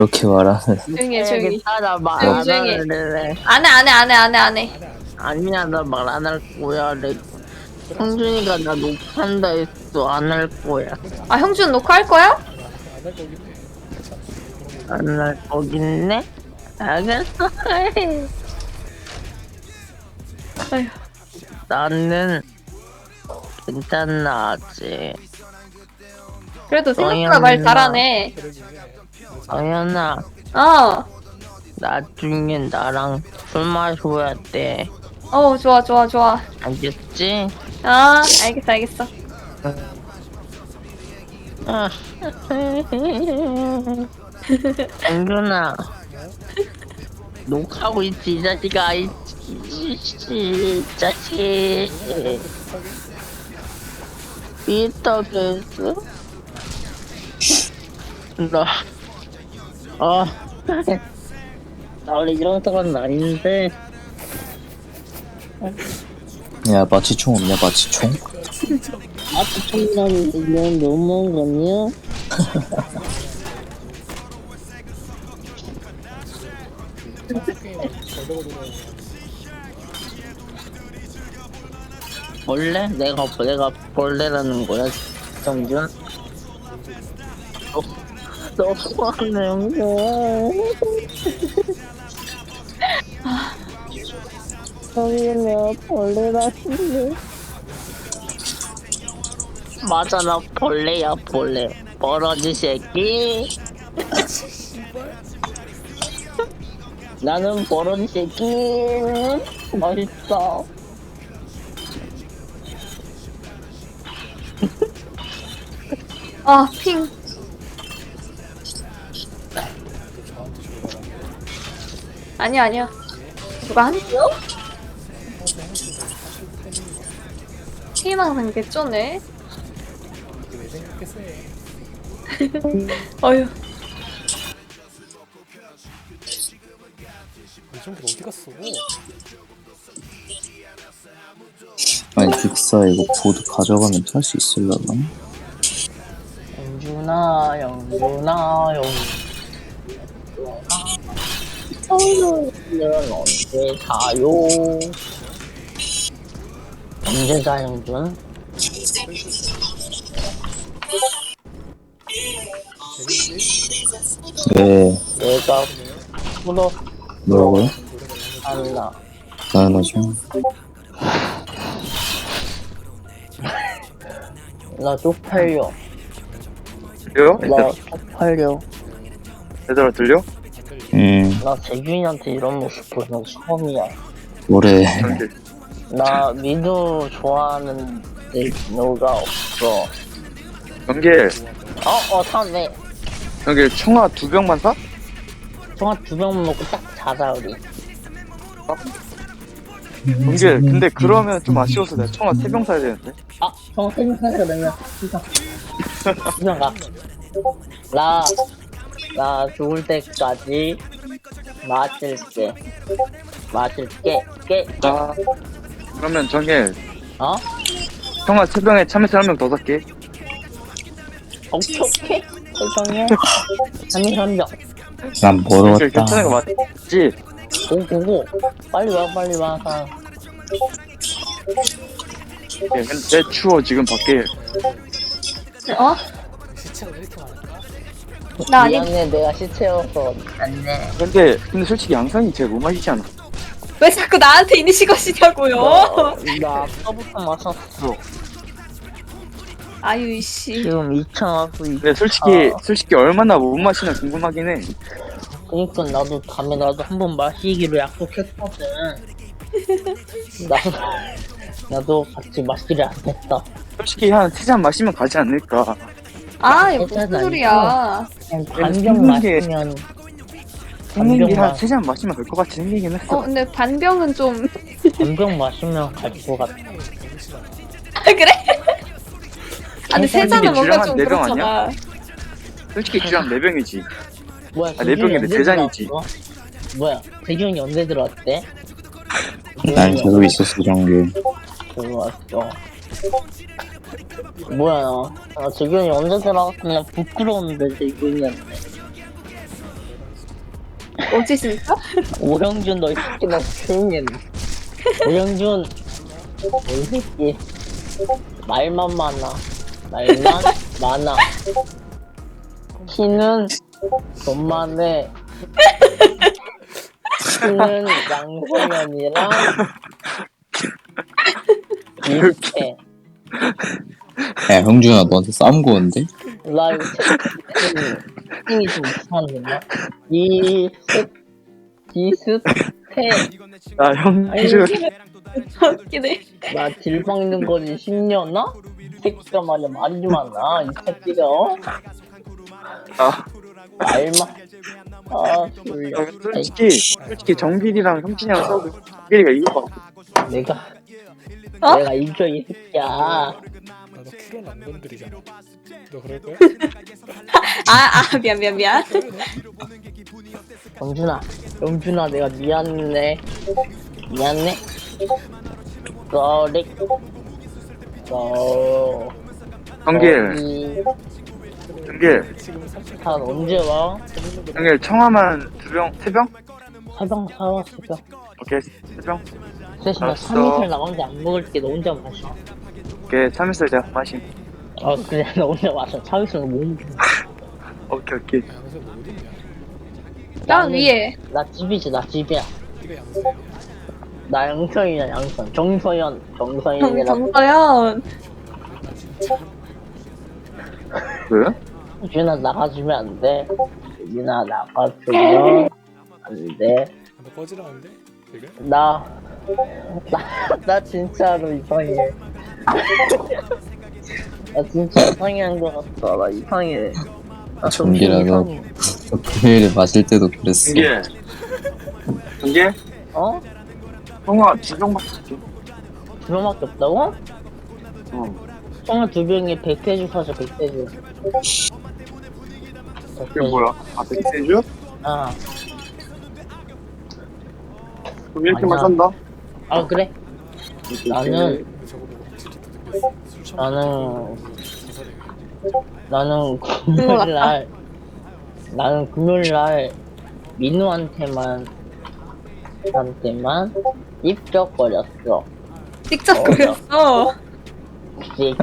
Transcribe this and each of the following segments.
그렇게 말하는. 조용히 해, 조용히. 나말 조용히, 안 조용히 해. 할래. 안 해. 아니야, 나 말 안 할 거야. 형준이가 나 녹화한다 했어. 안 할 거야. 아, 형준 녹화할 거야? 안 할 거긴네? 알겠어. 아휴. 나는 괜찮아, 아직. 그래도 생각보다 말 영현아. 잘하네. 영현아, 어. 나중에 나랑 술 마셔야 돼. 좋아. 알겠지? 아, 알겠어. 아. 영준아, 녹화하고 있지, 이 자식아. 이 자식. 비터게스? 나 원래 이런 사람은 아닌데. 야, 마취총 없냐, 마취총? 아프청이라는 이건 너무한 거 아니야? 벌레? 내가 벌레라는 거야, 정준? 너무하네, 형님. 형님, 내가 벌레라는데. 맞아, 나 벌레야, 벌레. 버러지 새끼. 나는 버러지 새끼. 맛있어. 아, 핑. 아니야. 누가 한대요? 희망상 개쩌네. 어휴. 이정도 어디 갔어? 아니, 빅사 이거 보드 가져가면 탈 수 있으려나? 영준아. 오늘은 언제 자요? 언제 자, 영준? 네, 내가 풀어 뭐라고요? 한다. 당연하죠. 나 쪽팔려. 들려? 나 쪽팔려. 얘들아 들려? 나 재균이한테 이런 모습 보는 거 처음이야. 뭐래. 이렇게 나 미도 좋아하는 누가 없어. 연길 사네. 연길 청아 2병만 사? 총알 2병 먹고 딱 자자, 우리. 연길 근데 그러면 좀 아쉬워서 내가 청아 3병 사야 되는데. 총알 3병 사자, 그러면. 시장 가. 나 죽을 때까지 마실게. 자 그러면 정길 어? 청아 3병에 참외새 1명 더 살게. 오케이. 설정해. 3명. 난 연길 멀었다. 괜찮은 거 맞지? 고고고. 빨리 와. 예, 근데 추워 지금 밖에. 어? 시체가 왜 이렇게 많을까? 나 아니. 미안해, 내가 시체여서 안돼. 근데 솔직히 양상이 제일 못 마시지 않아? 왜 자꾸 나한테 이니시가 시냐고요? 나 아까부터 마셨어. 아유, 이씨. 지금 2차 하고 있. 근데 솔직히 얼마나 못 마시나 궁금하긴 해. 그니까 나도 다음에 한번 마시기로 약속했거든. 나도 같이 마시기로 약속했다. 솔직히 한 3잔 마시면 가지 않을까. 아, 이거 무슨 괜찮아, 소리야. 그냥 생긴 반병 게- 마시면 생긴 게 한 반병 3잔 마시면 갈 것 같이 생기긴 했어. 근데 반병은 좀. 반병 마시면 갈 것 같아. 아, 그래? 아, 근데 세 잔은 뭔가 주량 좀 한 4병 그렇잖아. 솔직히 주량 4병이지. 뭐야? 네 병인데 언제 3잔이지. 들어왔어? 뭐야? 대균이 언제 들어왔대? 난 계속 있었어, 정규. 들어왔어. 뭐야? 재균이 언제 들어갔으면 부끄러운데 재균이한테. 어찌십니까? 오영준 너 이 새끼 나 조용히 해. 오영준 이 새끼 말만 많아 키는 돈만해 키는 양성현이랑 비슷해. 야 형준아 너한테 싸움 거는데? 나 이거 채팅이 좀 이상한데 비슷해. 아 형준 웃기네. 나 딜 박는 거지 10년아? 이 새끼가 말이야 말이 좀 많아 이 새끼가 어? 아 말만 아 졸려. 솔직히 정길이랑 형진이랑 싸우고 정길이가 이길 것 같아. 내가 어? 내가 이겨 이 새끼야. 나너 킬은 안 건드리잖아. 너 그럴 거야? 미안. 영준아 내가 미안해. 쏘리 정길 지금 살짝 한 언제 와? 정길 청아만 3병? 사병 사와 사병. 오케이 3병. 대신 나 알았어. 3일을 나가는데 안 먹을게. 너 혼자 마셔. 오케이 3일살 제가 마심. 그래 너 혼자 마셔. 3일을 못 먹게. 오케이 양세 뭐 어딨냐? 나 위에. 나 집이지 나 집이야. 네가 양세야. 나 양성이야 양성. 정서연이라고. 정서연. 나 진짜 왜? 유진아 나가주면 안 돼. 유진아 나가주면 안 돼. 너 꺼지라는데? 지금? 나 진짜로 이상해. 나 진짜 이상한 거 같아. 나 이상해. 나 정신 정기라도. 이상해. 금요일에 마실 때도 그랬어. 정길 어? 청아 2병밖에 없지. 2병밖에 없다고? 어. 청아 2병에 백태주 사자 백태주. 그게 뭐야? 아 백세주? 아, 그럼 이렇게만 아니야. 산다? 아 그래? 나는 근데 저거 보고 확실히 또 느꼈어. 술 처먹고 나는 자살해. 나는 금요일날 민우한테만 입적거렸어. 직접 그렸어. 그치?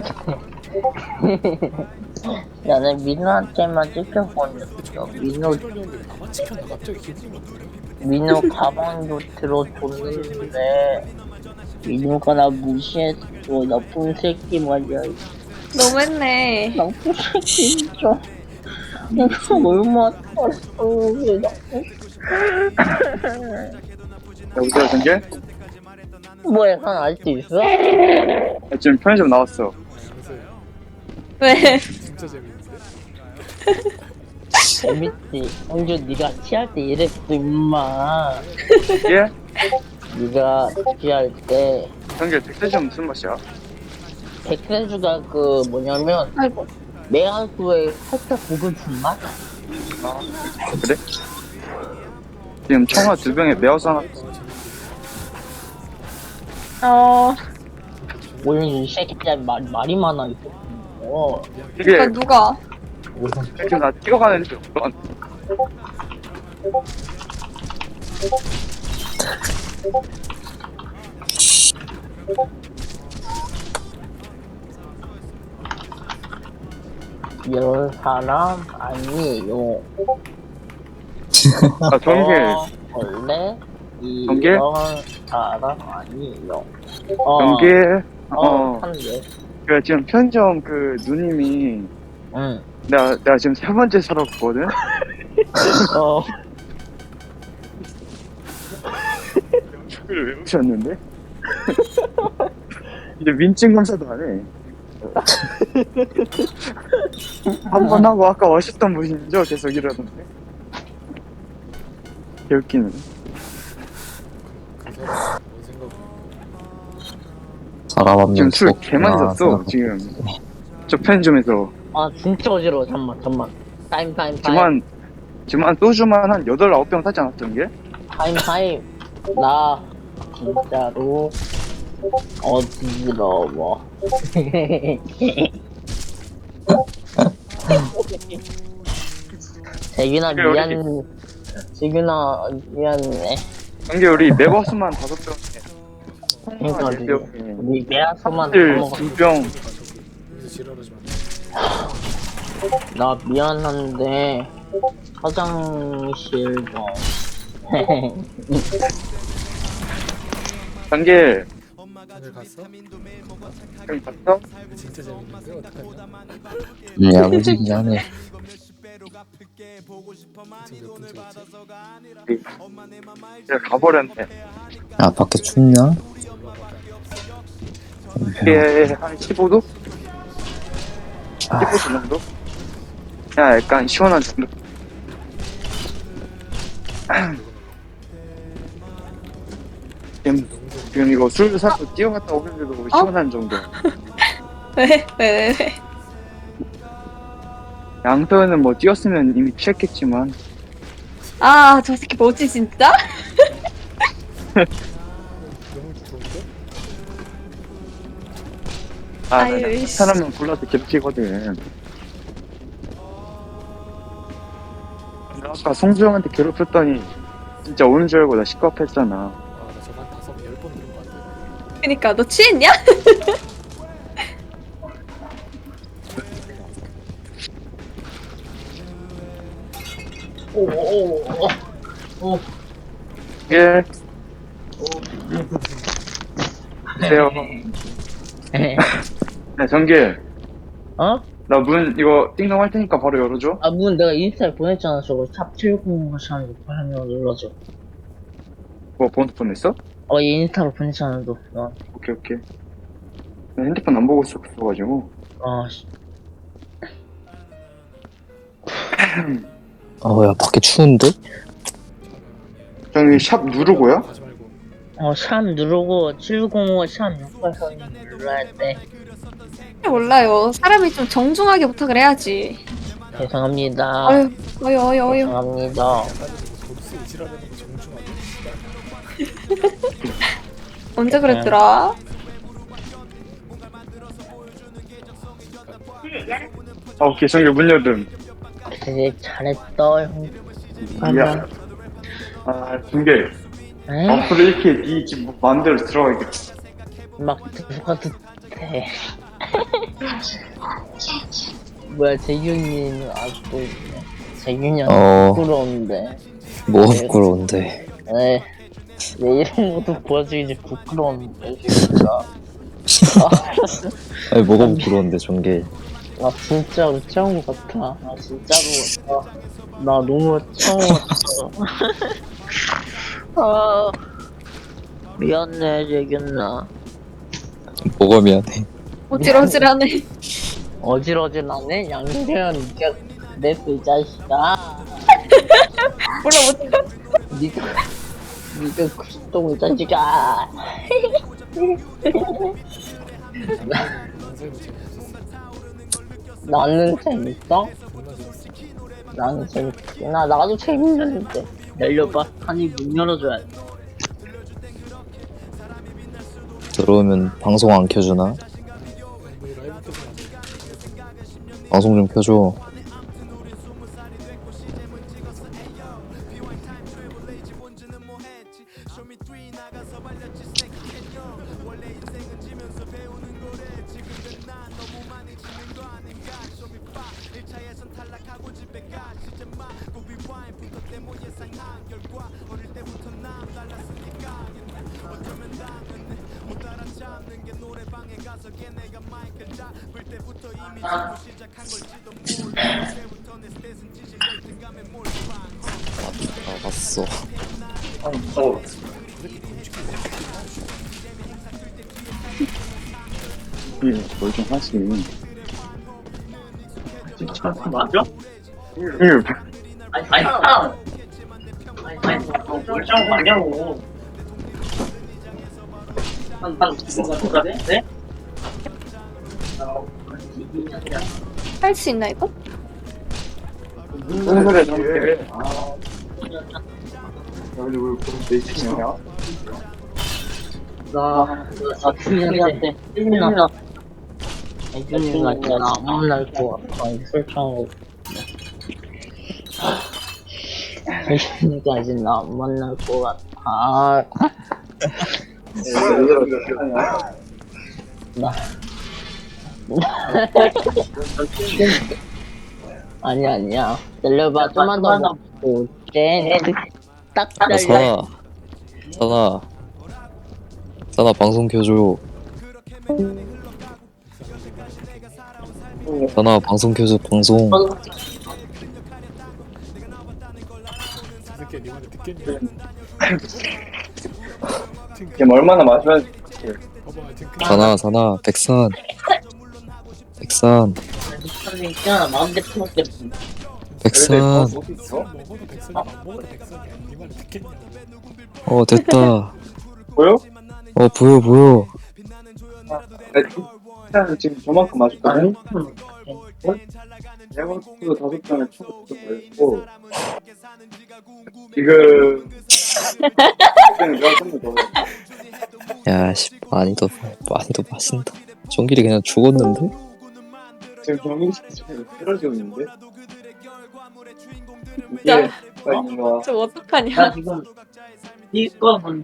나는 민우한테만 입적거렸어. 민우 그러려는데 나만 지켰나? 갑자기 기분이 나쁘네. 민우 가방도 들어줬는데 민우가 나 무시했어. 나쁜 새끼 말이야. 너무했네. 나쁜 새끼 진짜. 내가 얼마나 잘했어. 여보세요 정길? 뭐야, 산 아직도 있어? 나 지금 편의점 나왔어. 양세 왜? 진짜 재밌는데? 재밌지. 형주 네가 취할 때 이랬어 임마. 예? 네가 취할 때 정길 백세주 무슨 맛이야? 백세주가 그 뭐냐면 아이고. 매화수에 살짝 고급진 맛? 아 그래? 지금 청아 2병에 매워서 하나 오늘 이 새끼야 말이 많아 이 새끼. 이게 누가? 지금 나 뛰어가는데 없어. 이런 사람 아니에요. 아 정길 원래 정길? 이런 사람 아니에요. 정길 한데. 그 지금 편의점 그 누님이 응. 내가 지금 3번째 사러 갔거든? 연습을 외우셨는데? 이제 민증 검사도 안 해. 한 번 하고 아까 멋있던 분이죠? 계속 이러던데. 개웃기네. 그 사람 뭔 생각이야? 사람 한 지금 명 술 죽었구나. 개많이 샀어, 지금. 저 편의점에서. 아 진짜 어지러워. 잠만. 타임. 지금 한 소주만 한 8, 9병 사지 않았던 게? 타임. 나 진짜로 어지러워. 재균아 그래, 미안. 지균아 미안해. 정기 우리 네버스만 5병에 그러니까 콩가 4병에 우리 매화소만 다 들 먹었어. 2병. 이제 지랄하지 마. 나 미안한데 화장실 좀. 정기 오늘 갔어? 여기 갔어? 이거 진짜 재밌는데 어떡하냐? 야무지긴 하네. 지금 몇 분째 있지? 내가 가버렸네. 아 밖에 춥냐? 이게 한 15도? 15도 정도? 그냥 약간 시원한 정도. 지금 이거 술 사고 뛰어갔다 오는데도 시원한 정도. 왜? 양서현은 뭐 뛰었으면 이미 취했겠지만 아, 저 새끼 뭐지, 진짜? 너무 좋은데? 아유, 나 이씨. 사람은 불러서 괴롭히거든. 나 아까 송주영한테 괴롭혔더니 진짜 오는 줄 알고 나 시끄럽했잖아. 아나 저거 한 10번 들은 거 같아. 그니까, 너 취했냐? 오오오오. 예. 안녕하세요. 네, 정길. 어? 나 문 이거 띵동 할 테니까 바로 열어줘. 아, 문 내가 인스타에 보냈잖아. 저거 샵 790 하면 눌러줘. 뭐 번호 보냈어? 얘 인스타로 보냈잖아, 너. 오케이. 나 핸드폰 안 보고 있었어가지고. 씨. 야 밖에 추운데? 저기 샵 누르고요? 가지 말고. 샵 누르고 705 샵 688 눌러야 돼. 몰라요. 사람이 좀 정중하게 부탁을 해야지. 죄송합니다. 어휴. 죄송합니다. 약간 이거 보스 이지랄하는 거 정중하게. 언제 그랬더라? 오케이, 정길 문 열음. 되게 잘했어, 형. 야. 정길. 에? 앞으로 이렇게 네집 마음대로 들어가야겠다. 막 누가 듣대. 뭐야, 재균이는 아직도 있네. 재균이한테 부끄러운데. 뭐 부끄러운데. 내 이름도 보여주기 부끄러운데, 진짜. 아니 뭐가 부끄러운데 전개. 나 진짜로 처음 같아. 나 진짜로 같아. 나 너무 처음 같아. 미안해, 재균아. 뭐가 미안해. 어질어질하네. 어질어질하네? 양재현, 니가 그랬어, 이 자식아. 몰라, 니가 그랬다고, 이 자식아. 영상이 재밌었어. 나는 재밌어? 존나 재밌어. 나는 재밌지. 나도 재밌는데. 열려봐. 아니, 문 열어줘야 돼. 들어오면 방송 안 켜주나? 뭐 라이브 켜서 안 돼. 방송 좀 켜줘. 나갔어. 뭘좀 하시. 진짜 맞아? 아니, 멀쩡한 거 아니냐고. 뭐가 돼? 네? 할 수 있나, 이거? 무슨 소리야, 정길. 근데 왜 그럼 내 친이야? 나 준이한테 준이가 있잖아. 아무 날 거 같아. 설정하고. 지금까지 나 안 만날 것 같아. 나. 아니야. 들려봐, 좀만 더 먹고 올게. 딱 아, 달려. 사나 방송 켜줘. 사나 방송 켜줘, 방송. 새끼야 니 말을 듣겠니? 지금 얼마나 마시면 봐봐 지금 사나, 백산. 있잖아, 마음대로 먹게. 백산. 먹어도 백선이야 안 먹어도 백선이야 니 말을 듣겠냐? 됐다. 보여? 보여. 일단 지금 저만큼 마셨거든? 에어컨도 5잔에 총 걸렸고 지금 내가 좀더 먹어. 야, 씨, 많이 더 마신다. 정길이 그냥 죽었는데? 지금 정민씨 지금 쓰러지고 있는데? 야. 이게 있는 거야. 저 어떡하냐. 나 지금 디스코본.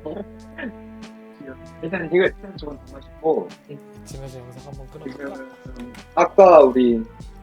일단 이거 조금 더 마시고 지면서 영상 한번 끊어볼까? 지금 아까 우리